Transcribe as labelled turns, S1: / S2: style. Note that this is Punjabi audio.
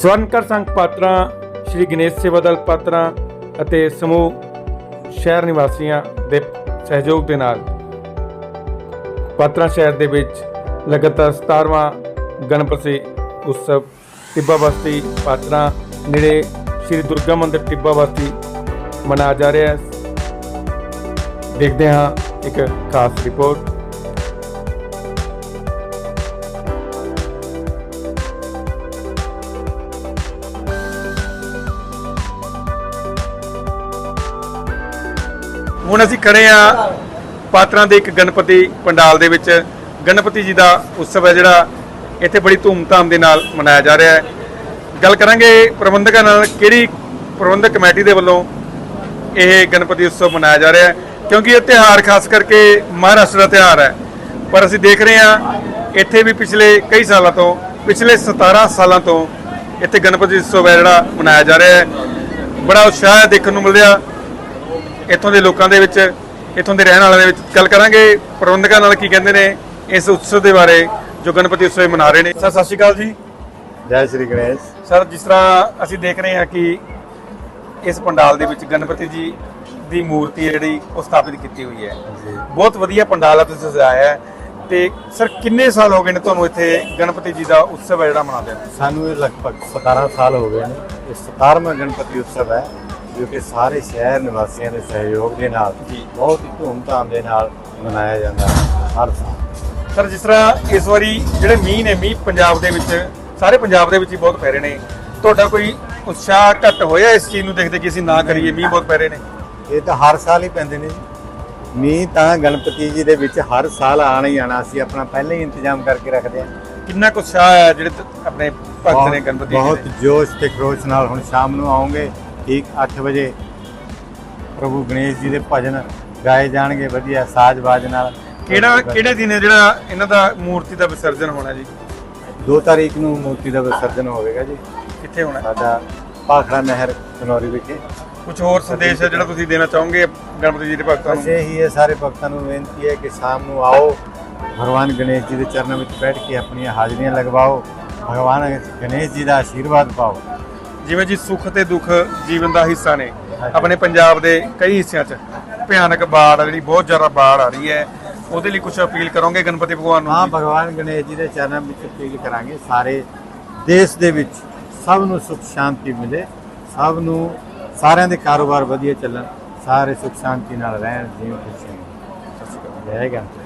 S1: ਸਵਰਨਕਰ ਸੰਘ ਪਾਤਰਾਂ, ਸ਼੍ਰੀ ਗਣੇਸ਼ ਸੇਵਾ ਦਲ ਪਾਤਰਾਂ ਅਤੇ ਸਮੂਹ ਸ਼ਹਿਰ ਨਿਵਾਸੀਆਂ ਦੇ ਸਹਿਯੋਗ ਦੇ ਨਾਲ ਪਾਤਰਾਂ ਸ਼ਹਿਰ ਦੇ ਵਿੱਚ ਲਗਾਤਾਰ 17ਵਾਂ ਗਣਪਤੀ ਉਤਸਵ ਟਿੱਬਾ ਬਸਤੀ ਪਾਤਰਾਂ ਨੇੜੇ ਸ਼੍ਰੀ ਦੁਰਗਾ ਮੰਦਿਰ ਟਿੱਬਾ ਬਸਤੀ ਮਨਾਇਆ ਜਾ ਰਿਹਾ ਹੈ। ਦੇਖਦੇ ਹਾਂ ਇੱਕ ਖਾਸ ਰਿਪੋਰਟ। ਹੁਣ ਅਸੀਂ ਖੜੇ ਆ ਪਾਤਰਾਂ ਦੇ ਇੱਕ ਗਣਪਤੀ ਪੰਡਾਲ ਦੇ ਵਿੱਚ। ਗਣਪਤੀ ਜੀ ਦਾ ਉਤਸਵ ਹੈ ਜਿਹੜਾ ਇੱਥੇ ਬੜੀ ਧੂਮਧਾਮ ਦੇ ਨਾਲ ਮਨਾਇਆ ਜਾ ਰਿਹਾ ਹੈ। ਗੱਲ ਕਰਾਂਗੇ ਪ੍ਰਬੰਧਕਾਂ ਨਾਲ, ਕਿਹੜੀ ਪ੍ਰਬੰਧਕ ਕਮੇਟੀ ਦੇ ਵੱਲੋਂ ਇਹ ਗਣਪਤੀ ਉਤਸਵ ਮਨਾਇਆ ਜਾ ਰਿਹਾ ਹੈ, ਕਿਉਂਕਿ ਇਹ ਤਿਉਹਾਰ ਖਾਸ ਕਰਕੇ ਮਹਾਰਾਸ਼ਟਰ ਦਾ ਤਿਉਹਾਰ ਹੈ। ਪਰ ਅਸੀਂ ਦੇਖ ਰਹੇ ਹਾਂ ਇੱਥੇ ਵੀ ਪਿਛਲੇ ਕਈ ਸਾਲਾਂ ਤੋਂ, ਪਿਛਲੇ 17 ਸਾਲਾਂ ਤੋਂ ਇੱਥੇ ਗਣਪਤੀ ਉਤਸਵ ਹੈ ਜਿਹੜਾ ਮਨਾਇਆ ਜਾ ਰਿਹਾ ਹੈ। ਬੜਾ ਉਤਸ਼ਾਹ ਦੇਖਣ ਨੂੰ ਮਿਲਿਆ ਇੱਥੋਂ ਦੇ ਲੋਕਾਂ ਦੇ ਵਿੱਚ, ਇੱਥੋਂ ਦੇ ਰਹਿਣ ਵਾਲਿਆਂ ਦੇ ਵਿੱਚ। ਗੱਲ ਕਰਾਂਗੇ ਪ੍ਰਬੰਧਕਾਂ ਨਾਲ ਕੀ ਕਹਿੰਦੇ ਨੇ ਇਸ ਉਤਸਵ ਦੇ ਬਾਰੇ ਜੋ ਗਣਪਤੀ ਉਤਸਵ ਮਨਾ ਰਹੇ ਨੇ। ਸਰ ਸਤਿ ਸ਼੍ਰੀ ਅਕਾਲ ਜੀ।
S2: ਜੈ ਸ਼੍ਰੀ ਗਣੇਸ਼।
S1: ਸਰ, ਜਿਸ ਤਰ੍ਹਾਂ ਅਸੀਂ ਦੇਖ ਰਹੇ ਹਾਂ ਕਿ ਇਸ ਪੰਡਾਲ ਦੇ ਵਿੱਚ ਗਣਪਤੀ ਜੀ ਦੀ ਮੂਰਤੀ ਹੈ ਜਿਹੜੀ ਉਹ ਸਥਾਪਿਤ ਕੀਤੀ ਹੋਈ ਹੈ। ਬਹੁਤ ਵਧੀਆ ਪੰਡਾਲ ਆ ਤੁਸੀਂ ਸਜਾਇਆ ਹੈ। ਤੇ ਸਰ ਕਿੰਨੇ ਸਾਲ ਹੋ ਗਏ ਨੇ ਤੁਹਾਨੂੰ ਇੱਥੇ ਗਣਪਤੀ ਜੀ ਦਾ ਉਤਸਵ ਹੈ ਜਿਹੜਾ ਮਨਾਉਂਦੇ ਨੇ?
S2: ਸਾਨੂੰ ਇਹ ਲਗਭਗ 17 ਸਾਲ ਹੋ ਗਏ ਨੇ। ਇਹ 17ਵਾਂ ਗਣਪਤੀ ਉਤਸਵ ਹੈ ਜੋ ਕਿ ਸਾਰੇ ਸ਼ਹਿਰ ਨਿਵਾਸੀਆਂ ਦੇ ਸਹਿਯੋਗ ਦੇ ਨਾਲ ਬਹੁਤ ਹੀ ਧੂਮਧਾਮ ਦੇ ਨਾਲ ਮਨਾਇਆ ਜਾਂਦਾ ਹੈ ਹਰ ਸਾਲ।
S1: ਸਰ, ਜਿਸ ਤਰ੍ਹਾਂ ਇਸ ਵਾਰੀ ਜਿਹੜੇ ਮੀਂਹ ਪੰਜਾਬ ਦੇ ਵਿੱਚ, ਸਾਰੇ ਪੰਜਾਬ ਦੇ ਵਿੱਚ ਹੀ ਬਹੁਤ ਪੈ ਰਹੇ ਨੇ, ਤੁਹਾਡਾ ਕੋਈ ਉਤਸ਼ਾਹ ਘੱਟ ਹੋਇਆ ਇਸ ਚੀਜ਼ ਨੂੰ ਦੇਖਦੇ ਕਿ ਅਸੀਂ ਨਾ ਕਰੀਏ, ਮੀਂਹ ਬਹੁਤ ਪੈ ਰਹੇ ਨੇ?
S2: ਇਹ ਤਾਂ ਹਰ ਸਾਲ ਹੀ ਪੈਂਦੇ ਨੇ ਜੀ ਮੀਂਹ, ਤਾਂ ਗਣਪਤੀ ਜੀ ਦੇ ਵਿੱਚ ਹਰ ਸਾਲ ਆਣਾ ਹੀ ਆਣਾ। ਅਸੀਂ ਆਪਣਾ ਪਹਿਲਾਂ ਹੀ ਇੰਤਜ਼ਾਮ ਕਰਕੇ ਰੱਖਦੇ ਹਾਂ।
S1: ਕਿੰਨਾ ਕੁ ਉਤਸ਼ਾਹ ਹੈ ਜਿਹੜੇ ਆਪਣੇ ਭਗਤ ਨੇ ਗਣਪਤੀ ਜੀ
S2: ਬਹੁਤ
S1: ਦੇ?
S2: ਜੋਸ਼ ਤੇ ਖਰੋਸ਼ ਨਾਲ। ਹੁਣ ਸ਼ਾਮ ਨੂੰ ਆਉਂਗੇ ਠੀਕ 8 ਵਜੇ ਪ੍ਰਭੂ ਗਣੇਸ਼ ਜੀ ਦੇ ਭਜਨ ਗਾਏ ਜਾਣਗੇ ਵਧੀਆ ਸਾਜ਼-ਬਾਜ ਨਾਲ।
S1: ਕਿਹੜੇ ਦਿਨ ਹੈ ਜਿਹੜਾ ਇਹਨਾਂ ਦਾ ਮੂਰਤੀ ਦਾ ਵਿਸਰਜਨ ਹੋਣਾ ਜੀ?
S2: 2 ਤਾਰੀਖ ਨੂੰ ਮੂਰਤੀ ਦਾ ਵਿਸਰਜਨ ਹੋਵੇਗਾ ਜੀ।
S1: ਕਿੱਥੇ ਹੋਣਾ?
S2: ਸਾਡਾ ਭਾਖੜਾ ਨਹਿਰ ਕਨੌਰੀ ਵਿਖੇ।
S1: ਕੁਝ ਹੋਰ ਸੰਦੇਸ਼ ਹੈ ਜਿਹੜਾ ਤੁਸੀਂ ਦੇਣਾ ਚਾਹੋਗੇ ਗਣਪਤੀ ਜੀ ਦੇ ਭਗਤਾਂ
S2: ਬਸ
S1: ਨੂੰ?
S2: ਇਹੀ ਹੈ, ਸਾਰੇ ਭਗਤਾਂ ਨੂੰ ਬੇਨਤੀ ਹੈ ਕਿ ਸ਼ਾਮ ਨੂੰ ਆਓ, ਭਗਵਾਨ ਗਣੇਸ਼ ਜੀ ਦੇ ਚਰਨਾਂ ਵਿੱਚ ਬੈਠ ਕੇ ਆਪਣੀਆਂ ਹਾਜ਼ਰੀਆਂ ਲਗਵਾਓ, ਭਗਵਾਨ ਗਣੇਸ਼ ਜੀ ਦਾ ਆਸ਼ੀਰਵਾਦ ਪਾਓ।
S1: ਜਿਵੇਂ ਜੀ ਸੁੱਖ ਤੇ ਦੁੱਖ ਜੀਵਨ ਦਾ ਹਿੱਸਾ ਨੇ। ਆਪਣੇ ਪੰਜਾਬ ਦੇ ਕਈ ਹਿੱਸਿਆਂ 'ਚ ਭਿਆਨਕ ਬਾੜ ਜਿਹੜੀ ਬਹੁਤ ਜ਼ਿਆਦਾ ਬਾੜ ਆ ਰਹੀ ਹੈ, ਉਹਦੇ ਲਈ ਕੁਝ ਅਪੀਲ ਕਰੋਗੇ ਗਣਪਤੀ ਭਗਵਾਨ ਨੂੰ?
S2: ਹਾਂ, ਭਗਵਾਨ ਗਣੇਸ਼ ਜੀ ਦੇ ਚਰਨਾਂ ਵਿੱਚ ਅਪੀਲ ਕਰਾਂਗੇ ਸਾਰੇ ਦੇਸ਼ ਦੇ ਵਿੱਚ ਸਭ ਨੂੰ ਸੁਖ ਸ਼ਾਂਤੀ ਮਿਲੇ, ਸਭ ਨੂੰ, ਸਾਰਿਆਂ ਦੇ ਕਾਰੋਬਾਰ ਵਧੀਆ ਚੱਲਣ, ਸਾਰੇ ਸੁਖ ਸ਼ਾਂਤੀ ਨਾਲ ਰਹਿਣ, ਜੀਵਨ ਖੁਸ਼ੀ ਨਾਲ। ਸਤਿ ਸ਼੍ਰੀ ਅਕਾਲ। ਜੈ ਗਣਪਤੀ।